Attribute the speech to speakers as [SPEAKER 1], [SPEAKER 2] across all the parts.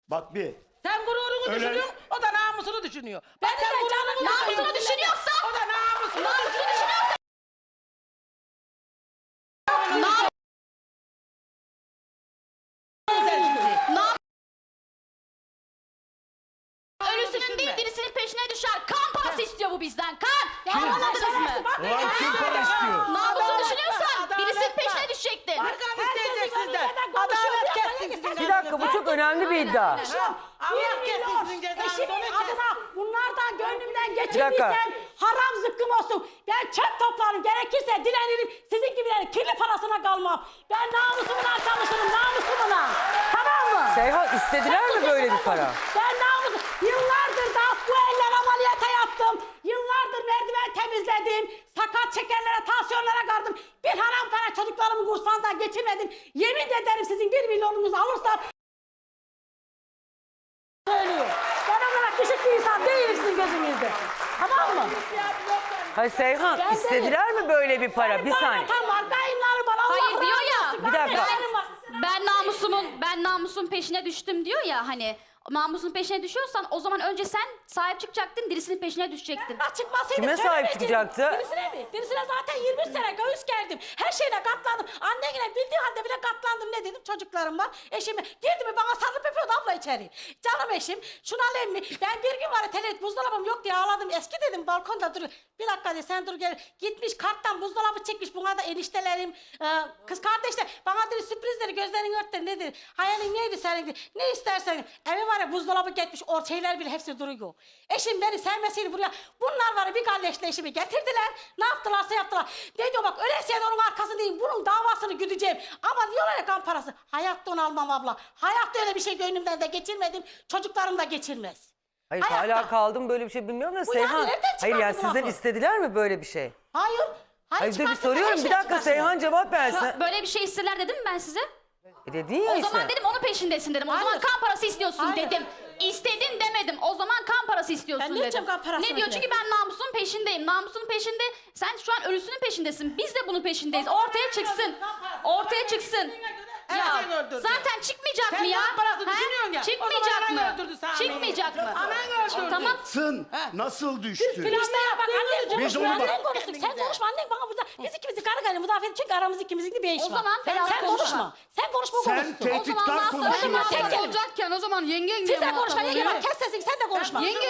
[SPEAKER 1] Bak bir.
[SPEAKER 2] Sen gururunu düşünüyorsun, o da namusunu düşünüyor. Bak
[SPEAKER 3] Ben
[SPEAKER 2] sen
[SPEAKER 3] de
[SPEAKER 2] gururunu
[SPEAKER 3] namusunu düşünüyorsa,
[SPEAKER 2] o da namusunu
[SPEAKER 3] düşünüyorsa ölüsünün değil dirisinin peşine düşer. Kan parası istiyor bu bizden. Kan. Anladınız mı?
[SPEAKER 1] Ulan kim para istiyor?
[SPEAKER 3] Namusunu düşünüyorsan
[SPEAKER 2] adalet
[SPEAKER 3] birisinin
[SPEAKER 2] var.
[SPEAKER 3] peşine düşecektin.
[SPEAKER 2] Arkan isteyecek sizden. Adalet kessin sizin
[SPEAKER 4] Bir dakika, bu çok önemli bir iddia.
[SPEAKER 2] Allah kessin sizin cezanızı.
[SPEAKER 5] Eşimin adına bunlardan gönlümden
[SPEAKER 4] dakika.
[SPEAKER 5] geçirdiysen haram zıkkım olsun. Ben çöp toplarım, gerekirse dilenirim. Sizin gibilerin kirli parasına kalmam. Ben namusumla çalışırım, namusumla. Tamam mı?
[SPEAKER 4] Seyhan, istediler mi böyle bir para?
[SPEAKER 5] Ben namusum. Yıllardır da bu eller ameliyata yaptım. Yıllardır merdiven temizledim. Sakat şekerlere, tansiyonlara kardım. Bir haram para çocuklarımın kursağından geçirmedim. Yemin ederim sizin 1 milyonunuzu alırsam söylüyor. Ben olarak düşük bir insan değilim sizin gözünüzde. Tamam mı?
[SPEAKER 4] Hayır Seyhan,
[SPEAKER 5] Ben
[SPEAKER 4] istediler mi böyle bir para? Bir saniye.
[SPEAKER 5] Tam var, kayınları var. Allah
[SPEAKER 3] Hayır diyor ya.
[SPEAKER 5] razı olsun.
[SPEAKER 4] Bir dakika.
[SPEAKER 3] Ben namusun peşine düştüm diyor ya hani. Namusun peşine düşüyorsan o zaman önce sen sahip çıkacaktın, dirisinin peşine düşecektin.
[SPEAKER 5] Çıkmasaydı
[SPEAKER 4] Kime sahip
[SPEAKER 5] söylemeyecektim.
[SPEAKER 4] çıkacaktı?
[SPEAKER 5] Birisine mi? Birisine zaten 23 sene göğüs gerdim. Her şeyine katlandım. Annene bildiği halde bile katlandım. Ne dedim? Çocuklarım var. Eşime girdi mi bana sarılıp öpüyordu abla içeri. Canım eşim. Şunu alayım mı? Ben bir gün var ya telet buzdolabım yok diye ağladım. Eski dedim balkonda dur. Bir dakika de sen dur gel. Gitmiş karttan buzdolabı çekmiş. Buna da eniştelerim. Kız kardeşler. Bana dedi sürprizleri gözlerini örttü. Ne dedi? Hayalin neydi senin dedi. Ne istersen. Evi var ya buzdolabı gitmiş. O şeyler bile hepsi duruyor. Eşim beni sevmeseydi buraya. Bunlar var ya bir galleşle eşimi getirdiler. Ne yaptılarsa yaptılar. Ne diyor bak öyleyse onun arkasındayım. Bunun davasını güdeceğim. Ama diyorlar ya kan parası. Hayatta onu almam abla. Hayatta öyle bir şey gönlümden de geçirmedim. Çocuklarım da geçirmez.
[SPEAKER 4] Hayır,
[SPEAKER 5] Hayatta.
[SPEAKER 4] hala kaldım böyle bir şey bilmiyorum da
[SPEAKER 5] Bu yani
[SPEAKER 4] Seyhan.
[SPEAKER 5] nereden
[SPEAKER 4] Hayır yani
[SPEAKER 5] çıkardın
[SPEAKER 4] sizden
[SPEAKER 5] lafı?
[SPEAKER 4] istediler mi böyle bir şey?
[SPEAKER 5] Hayır.
[SPEAKER 4] Hayır dur bir
[SPEAKER 5] çıkarsın,
[SPEAKER 4] soruyorum.
[SPEAKER 5] her
[SPEAKER 4] Bir
[SPEAKER 5] şey
[SPEAKER 4] dakika
[SPEAKER 5] çıkarsın.
[SPEAKER 4] Seyhan cevap versin.
[SPEAKER 3] Böyle bir şey isterler dedim mi ben size?
[SPEAKER 4] Dedin ya
[SPEAKER 3] O
[SPEAKER 4] işte.
[SPEAKER 3] zaman dedim onun peşindesin dedim. O zaman
[SPEAKER 5] Hayır.
[SPEAKER 3] kan parası istiyorsun
[SPEAKER 5] Hayır.
[SPEAKER 3] dedim. İstedin demedim. O zaman kan parası istiyorsun
[SPEAKER 5] Ben ne
[SPEAKER 3] dedim.
[SPEAKER 5] yapacağım kan parasını
[SPEAKER 3] Ne diyor?
[SPEAKER 5] bile?
[SPEAKER 3] Çünkü ben namusun peşindeyim. Namusun peşinde. Sen şu an ölüsünün peşindesin. Biz de bunun peşindeyiz. Ortaya çıksın. Ortaya çıksın. Ya
[SPEAKER 2] Erken öldürdü.
[SPEAKER 3] zaten çıkmayacak
[SPEAKER 2] Sen
[SPEAKER 3] mı ya?
[SPEAKER 2] kan parası
[SPEAKER 3] Ha?
[SPEAKER 2] düşünüyorsun ya. O
[SPEAKER 3] Çıkmayacak
[SPEAKER 2] zaman anan
[SPEAKER 3] mı?
[SPEAKER 2] öldürdü Sami'yi.
[SPEAKER 3] Çıkmayacak mı?
[SPEAKER 2] Anan öldürdü.
[SPEAKER 3] Tamam.
[SPEAKER 1] Sın nasıl düştü?
[SPEAKER 5] İşte ya bak annen
[SPEAKER 1] Biz
[SPEAKER 5] konuşma,
[SPEAKER 1] onu bak-
[SPEAKER 5] annen konuşsun. Sen konuşma annen bana burada. Biz ikimizin karı karı müdafaa edin çünkü aramızda ikimizin de bir iş var.
[SPEAKER 3] O zaman biraz
[SPEAKER 5] sen
[SPEAKER 3] konuşma.
[SPEAKER 5] konuşma. Sen konuşma
[SPEAKER 1] Sen
[SPEAKER 5] konuşsun.
[SPEAKER 1] tehditkar
[SPEAKER 3] O zaman
[SPEAKER 1] konuşuyorsun.
[SPEAKER 5] Tek kelime.
[SPEAKER 6] olacakken o zaman yengen
[SPEAKER 5] Siz
[SPEAKER 6] diye
[SPEAKER 5] de
[SPEAKER 6] muhatap
[SPEAKER 5] konuşma yenge
[SPEAKER 6] oluyor.
[SPEAKER 5] bak kes sesini sen de konuşma.
[SPEAKER 6] Yenge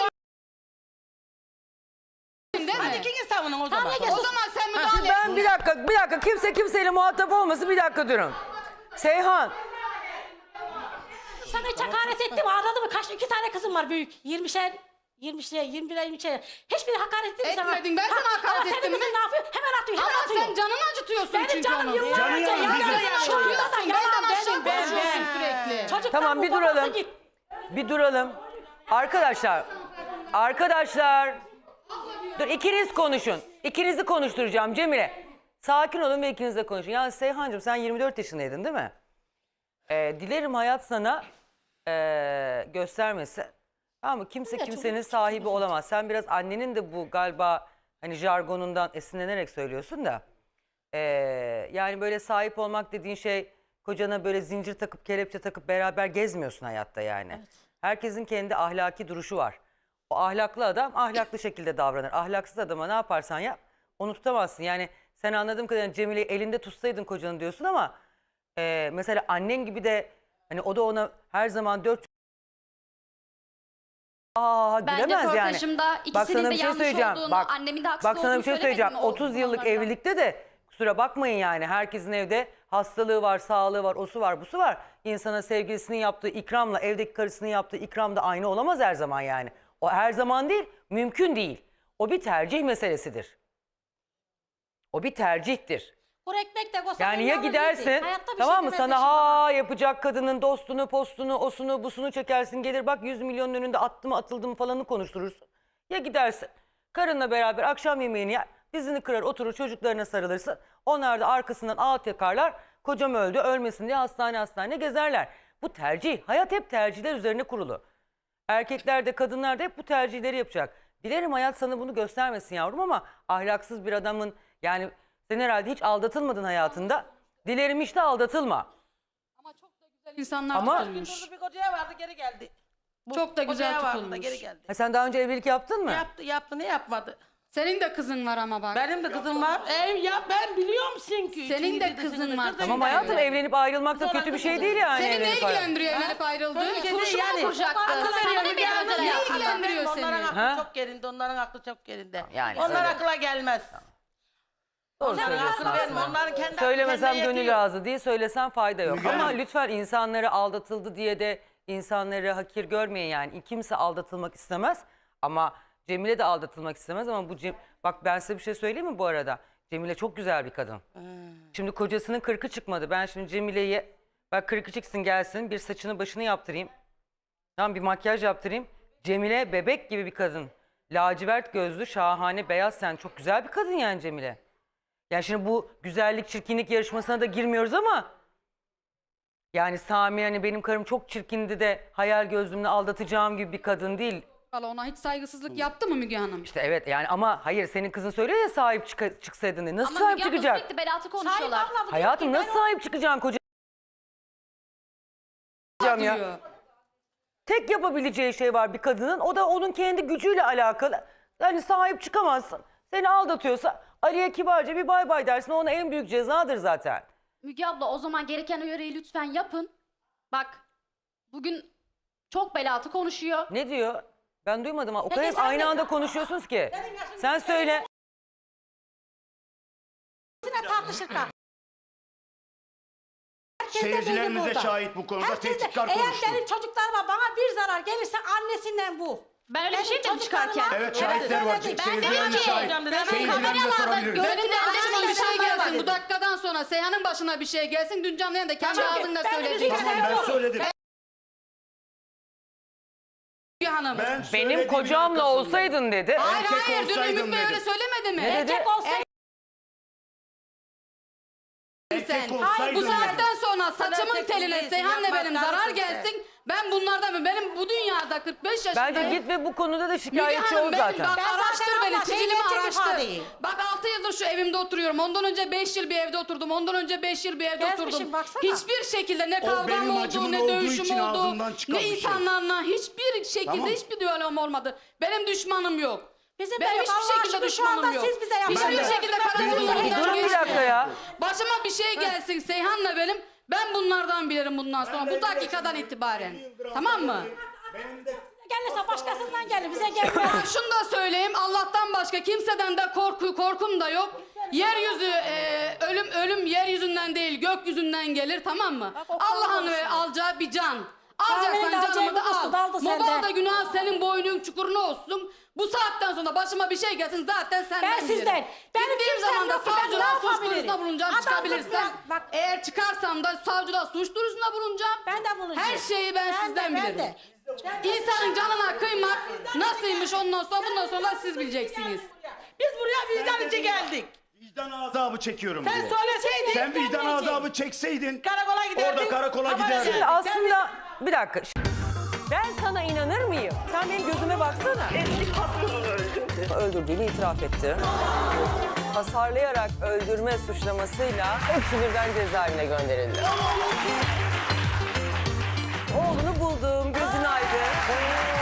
[SPEAKER 6] değil mi?
[SPEAKER 2] Hadi ikiniz savunun o zaman.
[SPEAKER 5] Tamam, yenge
[SPEAKER 6] O
[SPEAKER 5] sus.
[SPEAKER 6] zaman sen müdahale et.
[SPEAKER 4] Ben bir dakika kimse kimseyle muhatap olmasın, bir dakika durun. Seyhan,
[SPEAKER 5] Sana hiç hakaret ettim ağladı mı? Kaç 2 tane kızım var büyük. 20'şer 20'şer 21'er 20'şer. Hiçbiri hakaret ettin mi sana?
[SPEAKER 6] Etmedin, ben sana hakaret
[SPEAKER 5] ama
[SPEAKER 6] ettim
[SPEAKER 5] senin
[SPEAKER 6] mi?
[SPEAKER 5] kızın ne yapıyor? Hemen atıyor hemen
[SPEAKER 6] Ama
[SPEAKER 5] atıyor.
[SPEAKER 6] sen canını acıtıyorsun
[SPEAKER 5] Benim
[SPEAKER 6] çünkü
[SPEAKER 5] canım
[SPEAKER 6] onu.
[SPEAKER 5] yıllarca
[SPEAKER 1] Canı yalan
[SPEAKER 5] yalan
[SPEAKER 1] bizim.
[SPEAKER 5] yalan şurada da
[SPEAKER 6] Benden
[SPEAKER 5] yalan
[SPEAKER 6] aşağı
[SPEAKER 5] benim
[SPEAKER 6] konuşuyorsun sürekli.
[SPEAKER 5] Çocuklar
[SPEAKER 4] tamam bir
[SPEAKER 5] bu babası
[SPEAKER 4] duralım.
[SPEAKER 5] git.
[SPEAKER 4] Bir duralım. Arkadaşlar. Dur ikiniz konuşun. İkinizi konuşturacağım Cemile. Sakin olun ve ikiniz de konuşun. Ya Seyhancığım sen 24 yaşındaydın değil mi? Dilerim hayat sana göstermesin. Ama kimse kimsenin sahibi olamaz. Sen biraz annenin de bu galiba hani jargonundan esinlenerek söylüyorsun da. Yani böyle sahip olmak dediğin şey kocana böyle zincir takıp kelepçe takıp beraber gezmiyorsun hayatta yani. Evet. Herkesin kendi ahlaki duruşu var. O ahlaklı adam ahlaklı şekilde davranır. Ahlaksız adama ne yaparsan yap onu tutamazsın. Yani sen anladığım kadarıyla Cemile'yi elinde tutsaydın kocanı diyorsun ama mesela annen gibi de hani o da ona her zaman dört
[SPEAKER 3] Bence
[SPEAKER 4] gülemez yani.
[SPEAKER 3] röportajımda
[SPEAKER 4] Bak
[SPEAKER 3] ikisinin
[SPEAKER 4] sana
[SPEAKER 3] de
[SPEAKER 4] bir şey
[SPEAKER 3] yanlış
[SPEAKER 4] söyleyeceğim.
[SPEAKER 3] olduğunu,
[SPEAKER 4] Bak,
[SPEAKER 3] annemin de haksız
[SPEAKER 4] bak sana
[SPEAKER 3] olduğunu
[SPEAKER 4] bir şey
[SPEAKER 3] söylemedim
[SPEAKER 4] söyleyeceğim.
[SPEAKER 3] o
[SPEAKER 4] 30 yıllık
[SPEAKER 3] konularda.
[SPEAKER 4] evlilikte de kusura bakmayın yani herkesin evde hastalığı var, sağlığı var, osu var, busu var. İnsana sevgilisinin yaptığı ikramla evdeki karısının yaptığı ikram da aynı olamaz her zaman yani. O her zaman değil, mümkün değil. O bir tercih meselesidir. O bir tercihtir.
[SPEAKER 5] Kuru ekmek de koysa
[SPEAKER 4] Yani ya
[SPEAKER 5] yalnız
[SPEAKER 4] gidersin
[SPEAKER 5] değildi. Hayatta bir
[SPEAKER 4] tamam
[SPEAKER 5] şey
[SPEAKER 4] mı
[SPEAKER 5] demez
[SPEAKER 4] sana
[SPEAKER 5] eşim
[SPEAKER 4] ha yapacak kadının dostunu, postunu, osunu, busunu çekersin gelir bak 100 milyonun önünde attı mı atıldı mı falanı konuşturursun. Ya gidersin karınla beraber akşam yemeğini yer, dizini kırar oturur çocuklarına sarılırsın. Onlar da arkasından ağıt yakarlar kocam öldü ölmesin diye hastane gezerler. Bu tercih, hayat hep tercihler üzerine kurulu. Erkekler de kadınlar da hep bu tercihleri yapacak. Dilerim hayat sana bunu göstermesin yavrum ama ahlaksız bir adamın yani sen herhalde hiç aldatılmadın hayatında. Dilerim hiç de aldatılma.
[SPEAKER 6] Ama çok da güzel insanlar
[SPEAKER 4] Ama-
[SPEAKER 6] tutulmuş.
[SPEAKER 2] Durdu bir kocaya vardı geri geldi. Bu
[SPEAKER 6] Çok da güzel
[SPEAKER 2] odaya vardı da
[SPEAKER 6] tutulmuş.
[SPEAKER 2] Geri geldi.
[SPEAKER 4] Ha, sen daha önce evlilik yaptın mı?
[SPEAKER 2] Yaptı ne yapmadı?
[SPEAKER 6] Senin de kızın var ama bak.
[SPEAKER 2] Benim de kızım var. Ben biliyor musun ki?
[SPEAKER 6] Senin de
[SPEAKER 2] İçini
[SPEAKER 6] kızın
[SPEAKER 2] dışını,
[SPEAKER 6] var.
[SPEAKER 2] kızın
[SPEAKER 4] Tamam
[SPEAKER 2] da
[SPEAKER 4] hayatım,
[SPEAKER 2] öyle.
[SPEAKER 4] evlenip ayrılmak da
[SPEAKER 2] Sonra
[SPEAKER 4] kötü bir şey
[SPEAKER 2] kızım.
[SPEAKER 4] değil yani.
[SPEAKER 6] Seni ne
[SPEAKER 4] evlenip ayrılmak.
[SPEAKER 6] ilgilendiriyor evlenip ayrıldı?
[SPEAKER 2] Böyle
[SPEAKER 3] Kurşun mu kuracaktı?
[SPEAKER 2] Akıl
[SPEAKER 3] Sana
[SPEAKER 2] veriyor
[SPEAKER 3] ne
[SPEAKER 2] Müge
[SPEAKER 3] bir
[SPEAKER 2] Hanım.
[SPEAKER 3] özel hayatı?
[SPEAKER 6] ilgilendiriyor seni?
[SPEAKER 2] Onların aklı
[SPEAKER 4] Ha?
[SPEAKER 2] çok yerinde, onların aklı çok yerinde.
[SPEAKER 4] Yani
[SPEAKER 2] Onlar
[SPEAKER 4] söyle.
[SPEAKER 2] akla gelmez.
[SPEAKER 4] Doğru
[SPEAKER 2] Onların
[SPEAKER 4] söylüyorsun
[SPEAKER 2] aklı verme,
[SPEAKER 4] aslında.
[SPEAKER 2] onların kendi
[SPEAKER 4] Söylemesem
[SPEAKER 2] kendine
[SPEAKER 4] gönül
[SPEAKER 2] yetiyor.
[SPEAKER 4] razı değil, söylesem fayda yok.
[SPEAKER 1] Müge
[SPEAKER 4] Ama
[SPEAKER 1] Hanım.
[SPEAKER 4] lütfen insanları aldatıldı diye de insanları hakir görmeyin yani. Kimse aldatılmak istemez ama Cemile de aldatılmak istemez ama bak ben size bir şey söyleyeyim mi bu arada? Cemile çok güzel bir kadın. Şimdi kocasının 40'ı çıkmadı. Ben şimdi Cemile'ye bak 40'ı çıksın gelsin, bir saçını başını yaptırayım. Tamam, bir makyaj yaptırayım. Cemile bebek gibi bir kadın. Lacivert gözlü, şahane, beyaz ten. Çok güzel bir kadın yani Cemile. Yani şimdi bu güzellik, çirkinlik yarışmasına da girmiyoruz ama yani Sami hani benim karım çok çirkindi de hayal gözlümle aldatacağım gibi bir kadın değil.
[SPEAKER 6] Valla ona hiç saygısızlık yaptı mı Müge Hanım?
[SPEAKER 4] İşte evet yani ama hayır senin kızın söylüyor ya sahip çıksaydın diye. Nasıl
[SPEAKER 3] Ama
[SPEAKER 4] sahip
[SPEAKER 3] Müge abla
[SPEAKER 4] çıkacak?
[SPEAKER 3] sürekli belatı
[SPEAKER 5] Sahip
[SPEAKER 3] konuşuyorlar.
[SPEAKER 5] abla bu
[SPEAKER 4] Hayatım
[SPEAKER 5] diyor ki,
[SPEAKER 4] nasıl sahip çıkacaksın koca ya?
[SPEAKER 6] Diyor.
[SPEAKER 4] Tek yapabileceği şey var bir kadının, o da onun kendi gücüyle alakalı. Yani sahip çıkamazsın. Seni aldatıyorsa Ali'ye kibarca bir bay bay dersin, ona en büyük cezadır zaten.
[SPEAKER 3] Müge abla o zaman gereken uyarıyı lütfen yapın. Bak bugün çok belatı konuşuyor.
[SPEAKER 4] Ne diyor? Ben duymadım ama o kadar hep
[SPEAKER 5] sen
[SPEAKER 4] aynı
[SPEAKER 5] de-
[SPEAKER 4] anda konuşuyorsunuz ki. Sen söyle.
[SPEAKER 5] Yine tartışırken. Herkes de
[SPEAKER 1] Seyircilerimiz
[SPEAKER 5] böyle
[SPEAKER 1] de
[SPEAKER 5] burada.
[SPEAKER 1] şahit bu konuda.
[SPEAKER 5] Herkes de-
[SPEAKER 1] Tehditkar
[SPEAKER 5] Eğer
[SPEAKER 1] konuştu.
[SPEAKER 5] benim çocuklarıma bana bir zarar gelirse annesinden bu.
[SPEAKER 3] Ben öyle bir şey dedim
[SPEAKER 5] çocuklarıma-
[SPEAKER 3] çıkarken.
[SPEAKER 1] Evet, şahitler var.
[SPEAKER 5] söyledim.
[SPEAKER 1] Seyircilerimiz
[SPEAKER 3] dedim ki,
[SPEAKER 1] şahit.
[SPEAKER 3] ben
[SPEAKER 1] Seyircilerimize
[SPEAKER 3] kameralarda
[SPEAKER 1] sorabiliriz.
[SPEAKER 3] gördüm.
[SPEAKER 6] Senin de başına bir şey
[SPEAKER 5] insanlar var
[SPEAKER 6] gelsin. Bu
[SPEAKER 5] dedim.
[SPEAKER 6] dakikadan sonra Seyhan'ın başına bir şey gelsin. Dün canlı yayında kendi
[SPEAKER 5] Tamam,
[SPEAKER 6] ağzında
[SPEAKER 5] ben de
[SPEAKER 6] söyleyeceksin.
[SPEAKER 1] Tamam ben söyledim.
[SPEAKER 6] Müge Hanım.
[SPEAKER 1] Ben
[SPEAKER 4] Benim
[SPEAKER 1] söylediğimin
[SPEAKER 4] kocamla
[SPEAKER 1] arkasındayım.
[SPEAKER 4] olsaydın dedi.
[SPEAKER 6] Hayır
[SPEAKER 1] erkek
[SPEAKER 6] hayır dün
[SPEAKER 1] olsaydım
[SPEAKER 6] Ümit Bey
[SPEAKER 1] dedi.
[SPEAKER 6] öyle söylemedi mi?
[SPEAKER 4] Ne dedi?
[SPEAKER 5] Erkek olsaydı
[SPEAKER 1] Erkek
[SPEAKER 6] Sen.
[SPEAKER 1] olsaydın
[SPEAKER 6] Bu
[SPEAKER 1] dedi.
[SPEAKER 6] saatten sonra saçımın
[SPEAKER 2] erkek
[SPEAKER 6] teline
[SPEAKER 2] değilsin,
[SPEAKER 6] Seyhan'la
[SPEAKER 2] yapmaz
[SPEAKER 6] benim zarar
[SPEAKER 2] karısın
[SPEAKER 6] gelsin. Ben bunlardan benim bu dünyada 45 yaşındayım.
[SPEAKER 4] Bence git ve bu konuda da
[SPEAKER 6] Müge
[SPEAKER 4] şikayetçi
[SPEAKER 6] Hanım
[SPEAKER 4] ol
[SPEAKER 6] benim
[SPEAKER 4] zaten.
[SPEAKER 6] bak
[SPEAKER 5] Ben zaten
[SPEAKER 6] araştır beni
[SPEAKER 5] abla,
[SPEAKER 6] sicilimi
[SPEAKER 5] gerçek
[SPEAKER 6] araştır.
[SPEAKER 5] ifadeyim.
[SPEAKER 6] Bak 6 yıldır şu evimde oturuyorum. Ondan önce 5 yıl bir evde oturdum. Ondan önce 5 yıl bir evde
[SPEAKER 5] Gezmişim,
[SPEAKER 6] oturdum.
[SPEAKER 5] baksana.
[SPEAKER 6] Hiçbir şekilde ne
[SPEAKER 1] O
[SPEAKER 6] kavgam
[SPEAKER 1] benim
[SPEAKER 6] oldu
[SPEAKER 1] acımın
[SPEAKER 6] ne
[SPEAKER 1] olduğu
[SPEAKER 6] dövüşüm
[SPEAKER 1] için
[SPEAKER 6] oldu.
[SPEAKER 1] ağzımdan çıkan
[SPEAKER 6] Ne
[SPEAKER 1] bir şey.
[SPEAKER 6] insanlarla hiçbir şekilde
[SPEAKER 1] Tamam.
[SPEAKER 6] hiçbir diyalogum olmadı. Benim düşmanım yok.
[SPEAKER 5] Bizim
[SPEAKER 6] Benim
[SPEAKER 5] de yok.
[SPEAKER 6] hiçbir
[SPEAKER 5] Allah
[SPEAKER 6] şekilde
[SPEAKER 5] aşkına şu anda
[SPEAKER 6] düşmanım yok.
[SPEAKER 5] siz bize yapın.
[SPEAKER 6] Hiçbir
[SPEAKER 1] Ben de-
[SPEAKER 6] şekilde
[SPEAKER 1] Benim
[SPEAKER 6] karanlıklarından
[SPEAKER 4] Durun bir dakika ya.
[SPEAKER 6] Başıma bir şey gelsin Seyhan'la benim. Ben bunlardan bilirim bundan sonra. Bu dakikadan itibaren. Tamam mı?
[SPEAKER 5] Gelirse başkasından gelir. Bize gelmez.
[SPEAKER 6] Ha, şunu da söyleyeyim. Allah'tan başka kimseden de korkum da yok. Yeryüzü ölüm yeryüzünden değil gökyüzünden gelir, tamam mı?
[SPEAKER 5] Bak, o
[SPEAKER 6] Allah'ın
[SPEAKER 5] konuşuyor.
[SPEAKER 6] ve alacağı bir can.
[SPEAKER 5] Kahvenin
[SPEAKER 6] Alacaksan
[SPEAKER 5] de alacağı
[SPEAKER 6] canımı da
[SPEAKER 5] bir
[SPEAKER 6] al.
[SPEAKER 5] kustu, daldı sende.
[SPEAKER 6] Mobal da günah senin boynun çukuruna olsun. Bu saatten sonra başıma bir şey gelsin zaten senden
[SPEAKER 5] Ben sizden.
[SPEAKER 6] bilirim.
[SPEAKER 5] Benim
[SPEAKER 6] Gittiğim
[SPEAKER 5] kimsem
[SPEAKER 6] zaman da
[SPEAKER 5] yok ki, ben ne
[SPEAKER 6] savcılığa suç
[SPEAKER 5] yapabilirim?
[SPEAKER 6] duyurusunda bulunacağım,
[SPEAKER 5] Adam
[SPEAKER 6] çıkabilirsem.
[SPEAKER 5] kızlar, bak.
[SPEAKER 6] Eğer çıkarsam da savcılığa suç duyurusunda bulunacağım.
[SPEAKER 5] Ben de bulunacağım.
[SPEAKER 6] Her şeyi ben sizden
[SPEAKER 5] ben
[SPEAKER 6] bilirim.
[SPEAKER 5] de.
[SPEAKER 6] İnsanın canına kıymak nasılmış bundan sonra siz bileceksiniz.
[SPEAKER 2] Biz buraya vicdan için geldik.
[SPEAKER 1] Vicdan azabı çekiyorum
[SPEAKER 2] Sen
[SPEAKER 1] diyor.
[SPEAKER 2] söyleseydin.
[SPEAKER 1] Sen vicdan
[SPEAKER 5] gelmeyecek.
[SPEAKER 1] azabı çekseydin
[SPEAKER 2] Karakola giderdin.
[SPEAKER 1] orada karakola
[SPEAKER 2] Haber
[SPEAKER 1] giderdin.
[SPEAKER 4] Şimdi aslında bir dakika. Ben sana inanır mıyım? Sen benim gözüme baksana.
[SPEAKER 7] Eski patronunu öldürdü.
[SPEAKER 4] Öldürdüğünü itiraf etti. Hasarlayarak öldürme suçlamasıyla hepsi birden cezaevine gönderildi. Oğlunu buldum, gözün aydın.